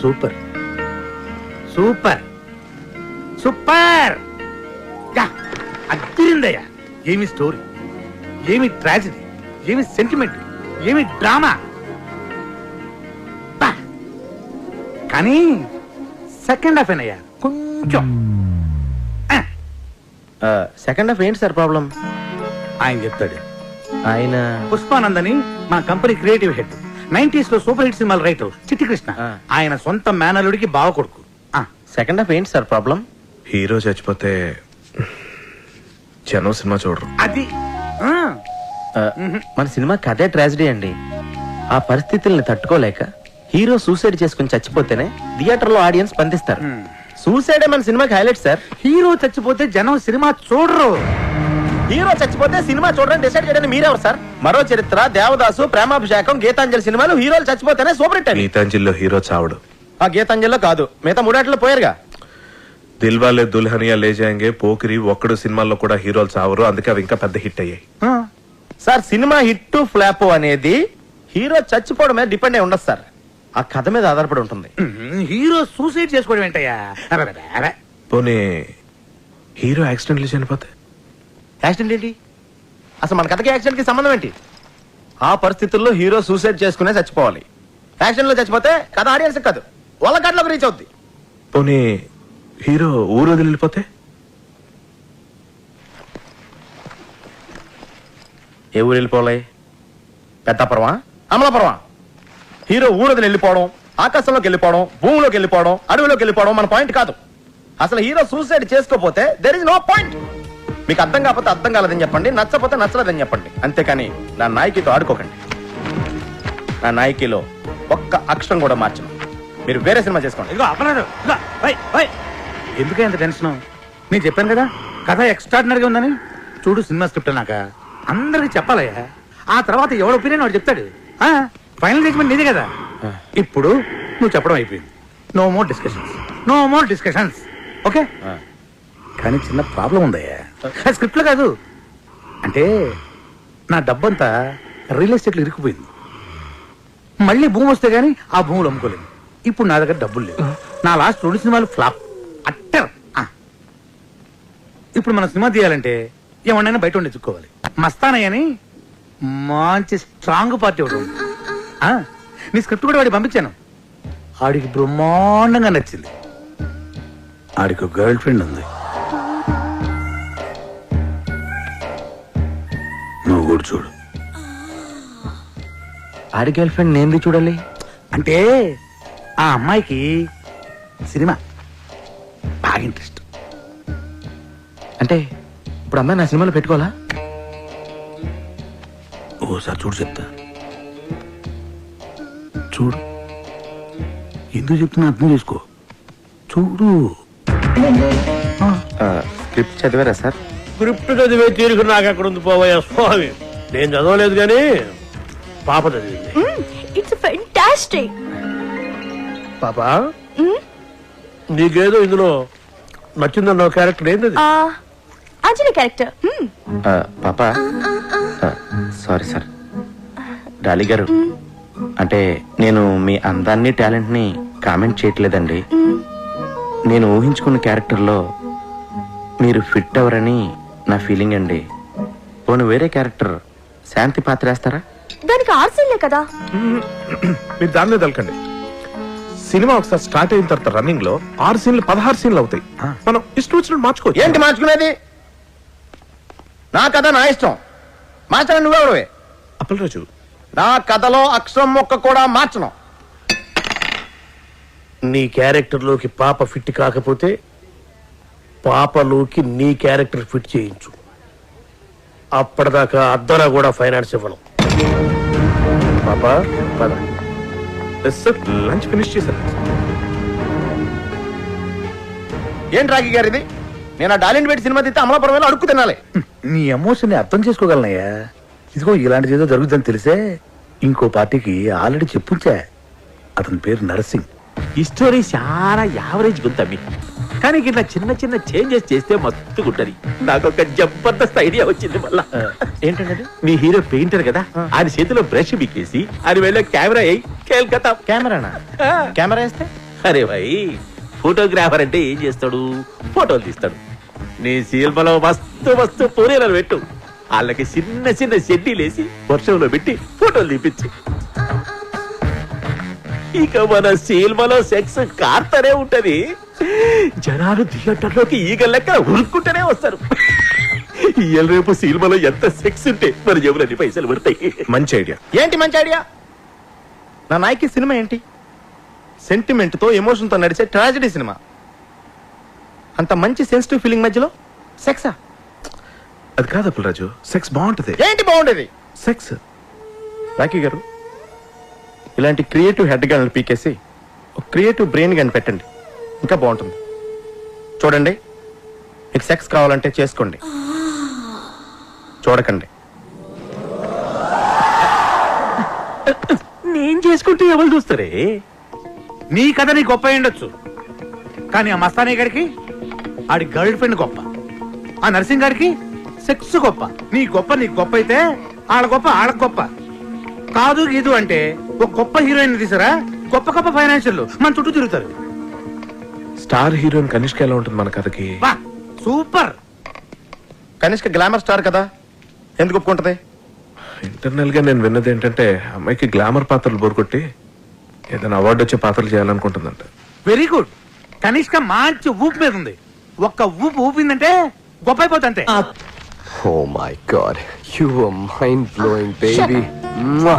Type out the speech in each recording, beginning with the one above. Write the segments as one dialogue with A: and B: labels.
A: Super super super అదిరిందయ్యా. ఏమి story, ఏమి tragedy, ఏమి సెంటిమెంట్, ఏమి డ్రామా. కానీ సెకండ్ హాఫ్ ఏనయ్యా కొంచెం.
B: సెకండ్ హాఫ్ ఏంటి సార్ ప్రాబ్లం?
A: ఆయన చెప్తాడు.
B: ఆయన
A: పుష్పానందని మా కంపెనీ క్రియేటివ్ హెడ్, 90s లో సూపర్ హిట్ సినిమాలు రైటర్ చిట్టి కృష్ణ. ఆయన సొంత మేనలుడికి బావ కొడుకు.
B: సెకండ్ హాఫ్ ఏంటి సార్ ప్రాబ్లం?
C: హీరో చచ్చిపోతే జనం సినిమా చూడరు.
A: అది
B: మన సినిమా కథే ట్రాజడీ అండి. ఆ పరిస్థితుల్ని తట్టుకోలేక హీరో సూసైడ్ చేసుకుని చచ్చిపోతేనే థియేటర్ లో ఆడియన్స్ స్పందిస్తారు. సూసైడే మన సినిమాకి హైలైట్ సార్.
A: హీరో చచ్చిపోతే జనం సినిమా చూడరు.
B: హీరో చచ్చిపోతే సినిమా చూడడానికి డిసైడ్ చేయడానికి మీరెవరు సార్? మరో చరిత్ర, దేవదాసు, ప్రేమాభిషేకం, గీతాంజలి సినిమాలు హీరోలు చచ్చిపోతేనే సూపర్ హిట్.
C: గీతాంజలిలో హీరో చావడు.
B: ఆ గీతాంజలిలో కాదు, మిగతా మూడాట్లో పోయారుగా.
C: దిల్వాలే దుల్హనియా లే జాయేంగే, పోకిరి, ఒక్కడు సినిమాల్లో కూడా హీరోలు చావరు. అందుకే అవి ఇంకా పెద్ద హిట్ అయ్యాయి.
B: సార్ సినిమా హిట్ ఫ్లాప్ అనేది హీరో చచ్చిపోవడం మీద డిపెండ్ అయి ఉండదు సార్, ఆ కథ మీద ఆధారపడి ఉంటుంది.
A: హీరో సూసైడ్ చేసుకోవడం ఏంటయ్యా?
C: పోనీ హీరో యాక్సిడెంట్లు చనిపోతే?
B: యాక్సిడెంట్ ఏంటి? అసలు మన కథకి యాక్సిడెంట్ కి సంబంధం ఏంటి? ఆ పరిస్థితుల్లో హీరో సూసైడ్ చేసుకునే చచ్చిపోవాలి. యాక్సిడెంట్ లో చచ్చిపోతే కథ ఆడియన్స్ కాదు, వాళ్ళ కథలోకి రీచ్ అవుద్ది.
C: పోనీ హీరో ఊరు వదిలి వెళ్ళిపోతే?
B: ఏ ఊరు వెళ్ళిపోవాలి? పెద్దాపురమా, అమలాపురమా? హీరో ఊరు వదిలి వెళ్ళిపోవడం, ఆకాశంలోకి వెళ్ళిపోవడం, భూమిలోకి వెళ్ళిపోవడం, అడవిలోకి వెళ్ళిపోవడం మన పాయింట్ కాదు. అసలు హీరో సూసైడ్ చేసుకోపోతే దెర్ ఇస్ నో పాయింట్. మీకు అర్థం కాకపోతే అర్థం కాలేదని చెప్పండి, నచ్చపోతే నచ్చలేదని చెప్పండి. అంతేకాని నా నాయకితో ఆడుకోకండి. నా నాయకిలో ఒక్క అక్షరం కూడా మార్చను. మీరు వేరే సినిమా చేసుకోండి.
A: ఇదిగో అప్పలేదు. ఎందుకే అంత టెన్షన్? నేను చెప్పాను కదా కథ ఎక్స్ట్రాడినరీగా ఉందని. చూడు సినిమా స్క్రిప్ట్ నాక అందరికి చెప్పాలయ్యా. ఆ తర్వాత ఎవడ ఒపీనియన్ వాడు చెప్తాడు. ఫైనల్ జడ్జ్మెంట్ నీదే కదా. ఇప్పుడు నువ్వు చెప్పడం అయిపోయింది. No more discussions, no more discussions. Okay? కానీ చిన్న ప్రాబ్లం ఉందయ్యా. స్క్రిప్ట్ లో కాదు, అంటే నా డబ్బంతా రియల్ ఎస్టేట్లో ఇరుక్కుపోయింది. మళ్ళీ భూమి వస్తే గానీ ఆ భూములు అమ్ముకోలేదు. ఇప్పుడు నా దగ్గర డబ్బులు లేవు. నా లాస్ట్ 2 సినిమాలు ఫ్లాప్ అట్టర్. ఇప్పుడు మనం సినిమా తీయాలంటే ఏమన్నా బయట ఉండి ఎత్తుక్కోవాలి. మస్తానయ్యని మంచి స్ట్రాంగ్ పార్టీ ఒకటి ఉంది. నీ స్క్రిప్ట్ కూడా వాడికి పంపించాను. ఆడికి బ్రహ్మాండంగా నచ్చింది. ఆడికి గర్ల్ ఫ్రెండ్ ఉంది. నువ్వు కూడా చూడు.
B: ఆడి గర్ల్ ఫ్రెండ్ నేను చూడాలి
A: అంటే ఆ అమ్మాయికి సినిమా బాగా ఇంట్రెస్ట్.
B: అంటే ఇప్పుడు అమ్మాయి నా సినిమాలో పెట్టుకోవాలా?
A: ఓసారి చూడు చెప్తా. చూడు, ఎందుకు చెప్తున్నా అర్థం చేసుకో. చూడు.
B: స్క్రిప్ట్ చదివారా సార్?
D: స్క్రిప్ట్ చదివే తీరుకు నాకు అక్కడ ఉంది పోవయ్యా స్వామి. నేను చదవలేదు కానీ పాప చదివింది.
E: It's fantastic.
D: పాప నీకేదో ఇందులో నచ్చిందన్న క్యారెక్టర్ ఏంది?
E: అంజలి క్యారెక్టర్.
B: పాప సారీ సార్. డాలీ గారు, అంటే నేను మీ అందాన్ని టాలెంట్ ని కామెంట్ చేయట్లేదండి. నేను ఊహించుకున్న క్యారెక్టర్లో మీరు ఫిట్ అవరని నా ఫీలింగ్ అండి. పోను వేరే క్యారెక్టర్ శాంతి పాత్ర వేస్తారా?
E: దానికి ఆర్సీలే కదా.
C: మీరు దానిలో తలకండి. సినిమా ఒకసారి స్టార్ట్ అయిన తర్వాత రన్నింగ్ లో 6 సీన్లు 16 సీన్లు అవుతాయి. మనం ఇష్టం వచ్చినట్టు మార్చుకోవచ్చు.
B: ఏంటి మార్చుకునేది? నా కథ నా ఇష్టం, మార్చడం నువ్వెవడవే?
C: అప్పలరాజు,
B: నా కథలో అక్షరం మొక్క కూడా మార్చను.
D: నీ క్యారెక్టర్ లోకి పాప ఫిట్ కాకపోతే పాపలోకి నీ క్యారెక్టర్ ఫిట్ చేయించు. అప్పటిదాకా అద్దరా కూడా ఫైనాన్స్ ఇవ్వను. పాప పద.
C: లంచ్ ఫినిష్ చేశాను.
B: ఏంటి రాఖీ గారు ఇది? నేను ఆ డాలిన్ పెట్టి సినిమా తీస్తే అమలాపురం వెళ్ళి అడుక్కు తినాలి.
A: నీ ఎమోషన్ అర్థం చేసుకోగలనయ్యా. ఇదిగో ఇలాంటిది ఏదో జరుగుతుందని తెలిసే ఇంకో పార్టీకి ఆల్రెడీ చెప్పుంచా. అతని పేరు నరసింగ్.
F: ఈ స్టోరీ చాలా యావరేజ్ గుంతమ్మి, కానీ ఇట్లా చిన్న చిన్న చేంజెస్ చేస్తే మస్తు గుంటది. నాకు ఒక జబర్దస్త్ ఐడియా వచ్చింది. మళ్ళా
B: ఏంటంటే
F: మీ హీరో పెయింటర్ కదా, ఆయన చేతిలో బ్రష్ బిక్కేసి ఆయన వెళ్ళే కెమెరా అయ్యి కేల్కతా.
B: కెమెరానా? కెమెరా వేస్తే
F: అరే భాయ్, ఫోటోగ్రాఫర్ అంటే ఏం చేస్తాడు? ఫోటోలు తీస్తాడు. నీ సినిమాలో మస్తు మస్తు పూరేలను పెట్టు, వాళ్ళకి చిన్న చిన్న షెడ్డీలేసి వర్షంలో పెట్టి ఫోటోలు తీపించు. ఇక మన సినిమాలో సెక్స్ కార్తనే ఉంటది. జనాలు థియేటర్లోకి ఈగ లెక్క ఉరుక్కుంటూనే వస్తారు. ఇవాళ రేపు సినిమాలో ఎంత సెక్స్ ఉంటే మరి ఎవరన్ని పైసలు పడతాయి.
C: మంచి ఐడియా.
B: ఏంటి మంచి ఐడియా? నా నాయకి సినిమా ఏంటి? సెంటిమెంట్ తో ఎమోషన్ తో నడిచే ట్రాజడీ సినిమా. అంత మంచి సెన్సిటివ్ ఫీలింగ్ మధ్యలో సెక్సా?
C: అది కాదు అప్పులరాజు, సెక్స్ బాగుంటది.
B: ఏంటి బాగుండేది?
C: సెక్స్.
B: రాకీ గారు, ఇలాంటి క్రియేటివ్ హెడ్ గన్లు పీకేసి ఒక క్రియేటివ్ బ్రెయిన్ గన్ పెట్టండి, ఇంకా బాగుంటుంది. చూడండి, మీకు సెక్స్ కావాలంటే చేసుకోండి, చూడకండి.
F: నేను చేసుకుంటే ఎవరు చూస్తారే?
A: నీ కథ నీ గొప్ప అయి ఉండొచ్చు, కానీ ఆ మస్తానీ గారికి ఆడి గర్ల్ ఫ్రెండ్ గొప్ప, ఆ నర్సింగ్ గారికి సెక్స్ గొప్ప. నీ గొప్ప నీకు గొప్ప అయితే ఆడ గొప్ప ఆడకు గొప్ప. కాదు గీదు అంటే ఒక గొప్ప హీరోయిన్ తీసారా, గొప్ప గొప్ప ఫైనాన్షియల్ మన చుట్టూ తిరుగుతారు.
C: స్టార్ హీరోయిన్ కనిష్క ఎలా ఉంటుంది మన కథకి?
A: వా సూపర్.
B: కనిష్క గ్లామర్ స్టార్ కదా, ఎందుకు ఒప్పుకుంటది?
C: ఇంటర్నల్ గా నేను విన్నది ఏంటంటే అమ్మాయికి గ్లామర్ పాత్రలు బోరుకొట్టి ఏదైనా అవార్డు వచ్చే పాత్రలు చేయాలనుకుంటుందంట.
A: Very good. కనిష్క మంచి ఊపు మీద ఉంది. ఒక్క ఊపు ఊపిందంటే గొప్ప అయిపోతుంటే.
G: Oh my god, you were mind-blowing, baby. Mwah.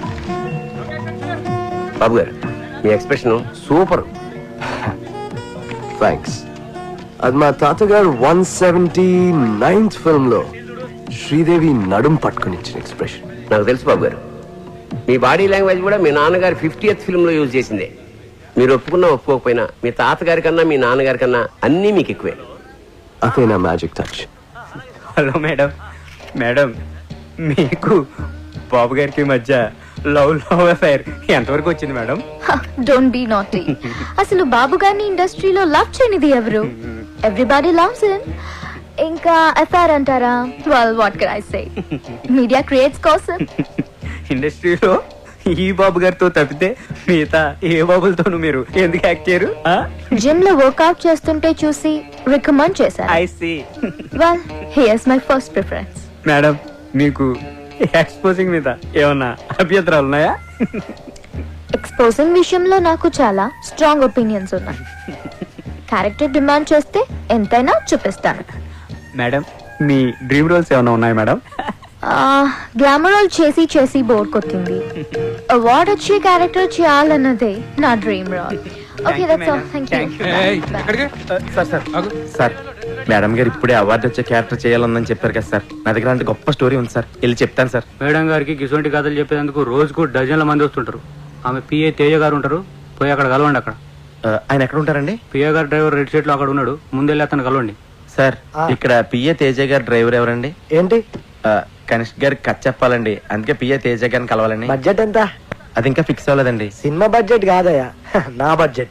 G: బాబు గారు, మీ ఎక్స్ప్రెషన్ సూపర్. థ్యాంక్స్. అది మా తాతగారు 179th ఫిల్మ్ లో శ్రీదేవి నడుం పట్టుకుని ఇచ్చిన ఎక్స్ప్రెషన్.
H: నాకు తెలుసు బాబు గారు, మీ బాడీ లాంగ్వేజ్ కూడా మీ నాన్నగారు 50th ఫిల్మ్ లో యూజ్ చేసిందే. మీరు ఒప్పుకున్నా ఒప్పుకోకపోయినా మీ తాతగారి కన్నా మీ నాన్నగారి కన్నా అన్నీ మీకు ఎక్కువే.
G: అదే నా magic touch.
I: Hello madam. Madam, మీకు బాబు గారికి మధ్య లవ్ అఫైర్ ఎంతవరకు వచ్చింది మేడం?
E: Don't be naughty. అసలు బాబు గారిని ఇండస్ట్రీలో లవ్ చేయనిది ఎవరు? Everybody loves him. ఇంకా అఫైర్ అంటారా? Well what can I say, media creates కోసం.
I: ఇండస్ట్రీలో ఈ బాబు గారితో తప్పితే మిగతా ఏ బాబులతోనూ మీరు ఎందుకు యాక్ట్ చేయరు?
E: జిమ్ లో వర్కౌట్ చేస్తుంటే చూసి రికమెండ్ చేశారు.
I: I see.
E: Well here's my first preference.
I: Madam, మీకు ఎక్స్పోజింగ్ మీద ఏమన్నా అభ్యంతరాలు ఉన్నాయా?
E: ఎక్స్పోజింగ్ విషయంలో నాకు చాలా స్ట్రాంగ్ ఒపీనియన్స్ ఉన్నాయి. క్యారెక్టర్ డిమాండ్ చేస్తే ఎంతైనా చూపిస్తాను.
I: మేడం, మీ డ్రీమ్ రోల్స్ ఏమైనా ఉన్నాయా మేడం?
E: గ్లామర్ రోల్ చేసి చేసి బోర్ కొట్టింది. అవార్డ్ వచ్చే క్యారెక్టర్ చేయాలన్నదే నా dream role. Okay, that's all. Thank you.
B: Sir, madam గారు ఇప్పుడే అవార్డు వచ్చే క్యారెక్టర్ చేయాలని చెప్పారు కదా సార్. నా దగ్గర అంటే గొప్ప స్టోరీ ఉంది సార్, వెళ్ళి చెప్తాను సార్.
J: మేడం గారికి గిసొంటి కథలు చెప్పేందుకు రోజుకు డజన్ల మంది వస్తుంటారు. ఆమె పిఏ తేజ గారు ఉంటారు, పోయి అక్కడ కలవండి. అక్కడ
B: ఆయన ఎక్కడ ఉంటారండి?
J: పిఏ గారు డ్రైవర్ రెడ్ షీట్ లో అక్కడ ఉన్నాడు, ముందెళ్ళి అతను కలవండి.
B: సార్, ఇక్కడ పిఏ తేజ గారు డ్రైవర్ ఎవరండి?
G: ఏంటి?
B: కనిష్క్ గారికి కథ చెప్పాలండి, అందుకే పిఏ తేజ గారిని కలవాలండి.
G: బడ్జెట్ ఎంత?
B: అది ఇంకా ఫిక్స్ అవ్వలేదండి.
G: సినిమా బడ్జెట్ కాదయ్యా, నా బడ్జెట్.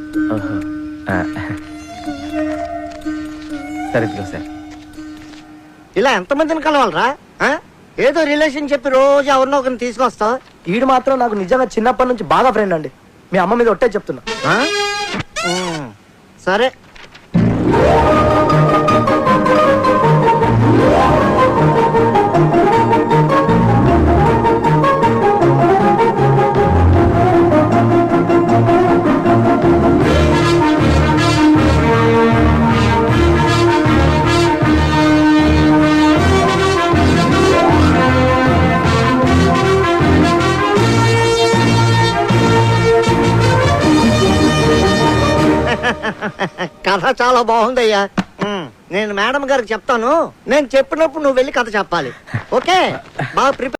B: సరే, ఇదిగో సార్.
K: ఇలా ఎంతమందిని కలవాలరా? ఏదో రిలేషన్ చెప్పి రోజు ఎవరినో ఒకరిని తీసుకొస్తావు.
G: ఈడు మాత్రం నాకు నిజంగా చిన్నప్పటి నుంచి బాగా ఫ్రెండ్ అండి. మీ అమ్మ మీద ఒట్టే చెప్తున్నా.
K: సరే, కథ చాలా బాగుందయ్యా. నేను మేడం గారికి చెప్తాను. నేను చెప్పినప్పుడు నువ్వు వెళ్ళి కథ చెప్పాలి. ఓకే, బాగా ప్రిపేర్